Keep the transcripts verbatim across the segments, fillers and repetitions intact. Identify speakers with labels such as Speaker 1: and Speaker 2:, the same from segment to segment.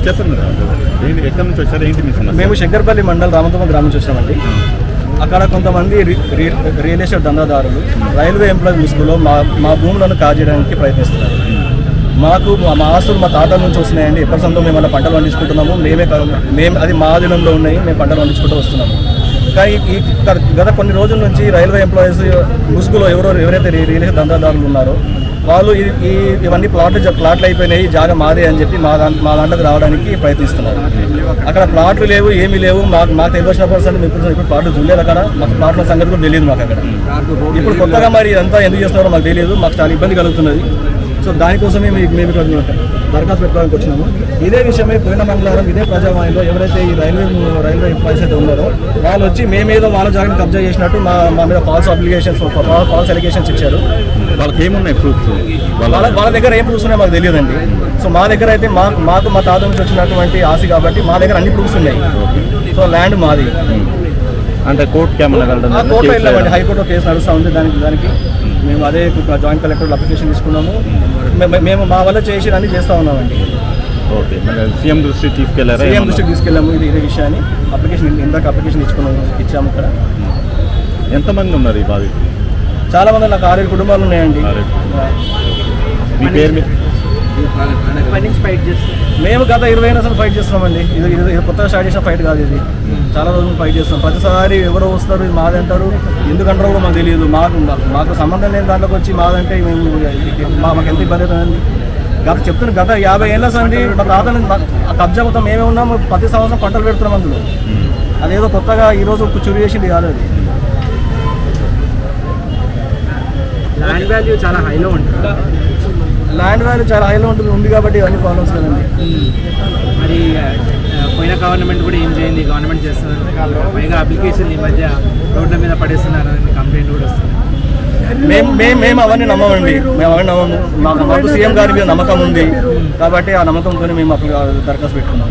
Speaker 1: చెప్పండి ఏంటి, ఎక్కడి నుంచి వచ్చారు, ఏంటి మీ సమస్య?
Speaker 2: మేము శంకర్పల్లి మండల్ రామతమ్మ గ్రామం నుంచి వచ్చామండి. అక్కడ కొంతమంది రియల్ ఎస్టేట్ దందాదారులు రైల్వే ఎంప్లాయీ ముసుగులో మా మా భూములను కాజేయడానికి ప్రయత్నిస్తున్నారు. మాకు మా ఆస్తులు మా తాతల నుంచి వస్తున్నాయండి. ఎప్పటి సొంతం మేము అలా పంటలు పండించుకుంటున్నాము. మేమే మేము అది మా ఆధీనంలో ఉన్నాయి, మేము పంటలు పండించుకుంటూ వస్తున్నాము. కానీ ఈ గత కొన్ని రోజుల నుంచి రైల్వే ఎంప్లాయీస్ ముసుగులో ఎవరో ఎవరైతే రియల్ ఎస్టేట్ దందాదారులు ఉన్నారో వాళ్ళు ఈ ఇవన్నీ ప్లాట్లు ప్లాట్లు అయిపోయినాయి, జాగా మాదే అని చెప్పి మా మా దాంట్లోకి రావడానికి ప్రయత్నిస్తున్నారు. అక్కడ ప్లాట్లు లేవు, ఏమీ లేవు. మాకు మాకు తెలిసిన పర్సన్ ఇప్పుడు ఇప్పుడు ప్లాట్లు చూడలేదు. అక్కడ మాకు ప్లాట్ల సంగతి కూడా తెలియదు. మాకు అక్కడ ఇప్పుడు కొత్తగా మరి ఇదంతా ఎందుకు చేస్తున్నారో మాకు తెలియదు. మాకు చాలా ఇబ్బంది కలుగుతున్నది. సో దానికోసమే మేము మేము ఇక్కడ దరఖాస్తు పెట్టుకోవడానికి వచ్చినాము. ఇదే విషయమై పోయిన మంగళవారం ఇదే ప్రజావాణిలో ఎవరైతే ఈ రైల్వే రైల్వే ఎంప్లాయీస్ అయితే ఉన్నారో వాళ్ళు వచ్చి మేమేదో వాళ్ళ జాగాని కబ్జా చేసినట్టు మా మా మీద ఫాల్స్ అప్లికేషన్స్ ఫాల్స్ అలిగేషన్స్ ఇచ్చారు.
Speaker 1: వాళ్ళకి ఏమున్నాయి ప్రూఫ్స్?
Speaker 2: వాళ్ళ వాళ్ళ దగ్గర ఏం ప్రూఫ్స్ ఉన్నాయో మాకు తెలియదండి. సో మా దగ్గర అయితే మా మాకు మా తాత నుంచి వచ్చినటువంటి ఆస్తి కాబట్టి మా దగ్గర అన్ని ప్రూఫ్స్ ఉన్నాయి. సో ల్యాండ్ మాది.
Speaker 1: అంటే కోర్టుకి ఏమన్నా వెళ్ళడం?
Speaker 2: కోర్టులో వెళ్ళామండి. హైకోర్టులో కేసు నడుస్తూ ఉంది. దానికి దానికి మేము అదే జాయింట్ కలెక్టర్ అప్లికేషన్ తీసుకున్నాము. మేము మా వల్ల చేసి అన్ని చేస్తూ ఉన్నామండి.
Speaker 1: ఓకే, సీఎం దృష్టికి తీసుకెళ్లారా?
Speaker 2: సీఎం దృష్టికి తీసుకెళ్ళాము. ఇది ఇదే విషయాన్ని అప్లికేషన్ ఇందాక అప్లికేషన్ ఇచ్చుకున్నాము ఇచ్చాము. ఇక్కడ
Speaker 1: ఎంతమంది ఉన్నారు ఈ బాధితులు?
Speaker 2: చాలా మంది, నాకు ఆరేడు కుటుంబాలు ఉన్నాయండి.
Speaker 1: మీ పేరు మీద
Speaker 2: మేము గత ఇరవై అయినా అసలు ఫైట్ చేస్తున్నామండి. ఇది ఇది కొత్తగా స్టార్ట్ చేసిన ఫైట్ కాదు. ఇది చాలా రోజులు ఫైట్ చేస్తాం. ప్రతిసారి ఎవరో వస్తారు, ఇది మాది అంటారు. ఎందుకంటారో కూడా మాకు తెలియదు. మాకు మాకు సంబంధం లేని దాంట్లోకి వచ్చి మాదంటే మేము మాకు ఎంత ఇబ్బంది అవుతుందండి. గత చెప్తున్నా గత యాభై ఏళ్ళ సంది మా తాతని కబ్జా మొత్తం మేమే ఉన్నాము. ప్రతి సంవత్సరం పంటలు పెడుతున్నాం అందులో. అదేదో కొత్తగా ఈరోజు చురు చేసింది కాదు. అది
Speaker 3: ల్యాండ్ వాల్యూ చాలా హైలో ఉంటుంది.
Speaker 2: ల్యాండ్ వాల్యూ చాలా హైలో ఉంటుంది ఉంది కాబట్టి ఇవన్నీ ప్రాబ్లమ్స్ కదండి.
Speaker 3: మరి పోయిన గవర్నమెంట్ కూడా ఏం చేయండి, గవర్నమెంట్ చేస్తున్నారు. పైగా అప్లికేషన్ ఈ మధ్య రోడ్ల మీద పడేస్తున్నారు అని కంప్లైంట్ కూడా వస్తుంది.
Speaker 2: మేము మేము మేము అవన్నీ నమ్మమండి. మేము అవన్నీ నమ్మము. మాకు మాకు సీఎం గారి మీద నమ్మకం ఉంది కాబట్టి ఆ నమ్మకంతో మేము అప్పుడు దరఖాస్తు పెట్టుకున్నాము.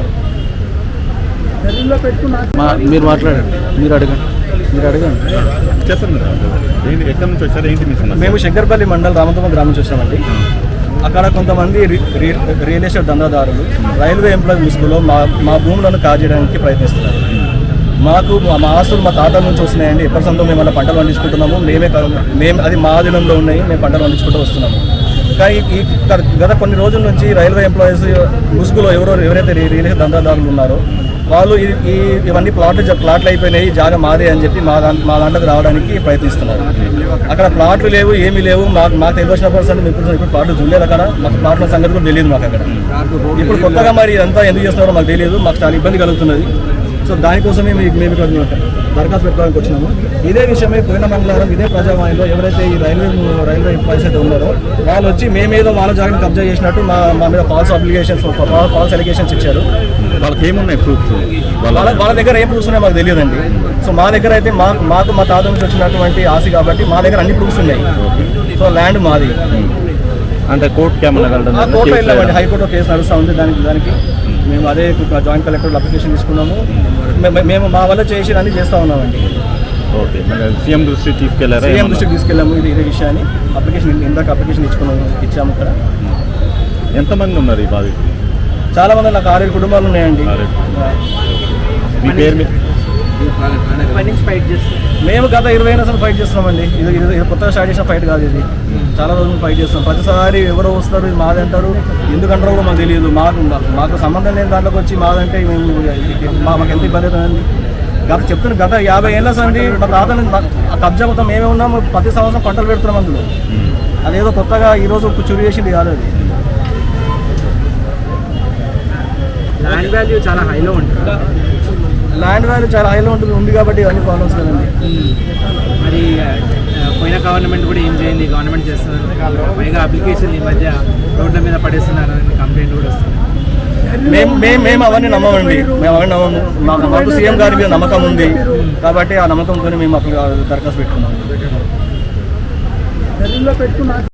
Speaker 4: మీరు మాట్లాడండి, మీరు అడగండి మీరు అడగండి
Speaker 1: చెప్పండి ఏంటి, ఎక్కడి నుంచి వచ్చారు, ఏంటి మీ సమస్య?
Speaker 2: మేము శంకర్పల్లి మండల్ రామతమ్మ గ్రామం నుంచి వచ్చామండి. అక్కడ కొంతమంది రియల్ ఎస్టేట్ దందాదారులు రైల్వే ఎంప్లాయీ ముసుగులో మా మా భూములను కాజేయడానికి ప్రయత్నిస్తున్నారు. మాకు మా ఆస్తులు మా తాతల నుంచి వస్తున్నాయండి. ఎప్పటి సొంతం మేము అలా పంటలు పండించుకుంటున్నాము. మేమే మేము అది మా ఆధీనంలో ఉన్నాయి, మేము పంటలు పండించుకుంటూ వస్తున్నాము. కానీ ఈ గత కొన్ని రోజుల నుంచి రైల్వే ఎంప్లాయీస్ ముసుగులో ఎవరో ఎవరైతే రియల్ ఎస్టేట్ దందాదారులు ఉన్నారో వాళ్ళు ఈ ఇవన్నీ ప్లాట్లు ప్లాట్లు అయిపోయినాయి, జాగా మాదే అని చెప్పి మా దా మా దాంట్లోకి రావడానికి ప్రయత్నిస్తున్నారు. అక్కడ ప్లాట్లు లేవు, ఏమీ లేవు. మాకు మాకు తెలిసిన పర్సన్ ఇప్పుడు ఇప్పుడు ప్లాట్లు చూడలేదు. అక్కడ మాకు ప్లాట్ల సంగతి కూడా తెలియదు. మాకు అక్కడ ఇప్పుడు కొత్తగా మరి ఇదంతా ఎందుకు చేస్తున్నారో మాకు తెలియదు. మాకు చాలా ఇబ్బంది కలుగుతున్నది. సో దానికోసమే మేము మేము ఇక్కడ దరఖాస్తు పెట్టుకోవడానికి వచ్చినాము. ఇదే విషయమై పోయిన మంగళవారం ఇదే ప్రజావాణిలో ఎవరైతే ఈ రైల్వే రైల్వే ఎంప్లాయీస్ అయితే ఉన్నారో వాళ్ళు వచ్చి మేమేదో వాళ్ళ జాగాని కబ్జా చేసినట్టు మా మా మీద ఫాల్స్ అప్లికేషన్స్ ఫాల్స్ అలిగేషన్స్ ఇచ్చారు.
Speaker 1: వాళ్ళకి ఏమున్నాయి ప్రూఫ్స్?
Speaker 2: వాళ్ళ వాళ్ళ దగ్గర ఏం ప్రూఫ్స్ ఉన్నాయో మాకు తెలియదండి. సో మా దగ్గర అయితే మా మాకు మా తాత నుంచి వచ్చినటువంటి ఆస్తి కాబట్టి మా దగ్గర అన్ని ప్రూఫ్స్ ఉన్నాయి. సో ల్యాండ్ మాది.
Speaker 1: అంటే కోర్టుకి ఏమన్నా వెళ్ళడం?
Speaker 2: కోర్టులో వెళ్ళామండి. హైకోర్టులో కేసు నడుస్తూ ఉంది. దానికి దానికి మేము అదే జాయింట్ కలెక్టర్ అప్లికేషన్ తీసుకున్నాము. మేము మా వల్ల చేసి అన్ని చేస్తూ ఉన్నామండి.
Speaker 1: ఓకే, సీఎం దృష్టికి తీసుకెళ్లారా?
Speaker 2: సీఎం దృష్టికి తీసుకెళ్ళాము. ఇది ఇదే విషయాన్ని అప్లికేషన్ ఇందాక అప్లికేషన్ ఇచ్చుకున్నాము ఇచ్చాము. ఇక్కడ
Speaker 1: ఎంతమంది ఉన్నారు ఈ బాధితులు?
Speaker 2: చాలా మంది, నాకు ఆరేడు కుటుంబాలు ఉన్నాయండి.
Speaker 1: మీ పేరు మీద
Speaker 3: ఫైట్ చేస్తారు.
Speaker 2: మేము గత ఇరవై అయినా అసలు ఫైట్ చేస్తున్నామండి. ఇది ఇది కొత్తగా స్టార్ట్ చేసిన ఫైట్ కాదు. ఇది చాలా రోజులు ఫైట్ చేస్తాం. ప్రతిసారి ఎవరో వస్తారు, ఇది మాది అంటారు. ఎందుకంటారో కూడా మాకు తెలియదు. మాకు మాకు సంబంధం లేని దాంట్లోకి వచ్చి మాదంటే మేము మాకు ఎంత ఇబ్బంది అవుతుందండి. గత చెప్తున్నా గత యాభై ఏళ్ళ సంది మా తాతని కబ్జా మొత్తం మేమే ఉన్నాము. ప్రతి సంవత్సరం పంటలు పెడుతున్నాం అందులో. అదేదో కొత్తగా ఈరోజు చురు చేసింది కాదు. అది
Speaker 3: ల్యాండ్ వాల్యూ చాలా హైలో ఉంటుంది.
Speaker 2: ల్యాండ్ వాల్యూ చాలా హైలో ఉంటుంది ఉంది కాబట్టి ఇవన్నీ ప్రాబ్లమ్స్ కదండి.
Speaker 3: మరి పోయిన గవర్నమెంట్ కూడా ఏం చేయండి, గవర్నమెంట్ చేస్తున్నారు. పైగా అప్లికేషన్ ఈ మధ్య రోడ్ల మీద పడేస్తున్నారు అని కంప్లైంట్ కూడా వస్తుంది.
Speaker 2: మేము మేము మేము అవన్నీ నమ్మమండి. మేము అవన్నీ నమ్మము. మాకు మాకు సీఎం గారి మీద నమ్మకం ఉంది కాబట్టి ఆ నమ్మకంతో మేము అప్పుడు దరఖాస్తు పెట్టుకున్నాము.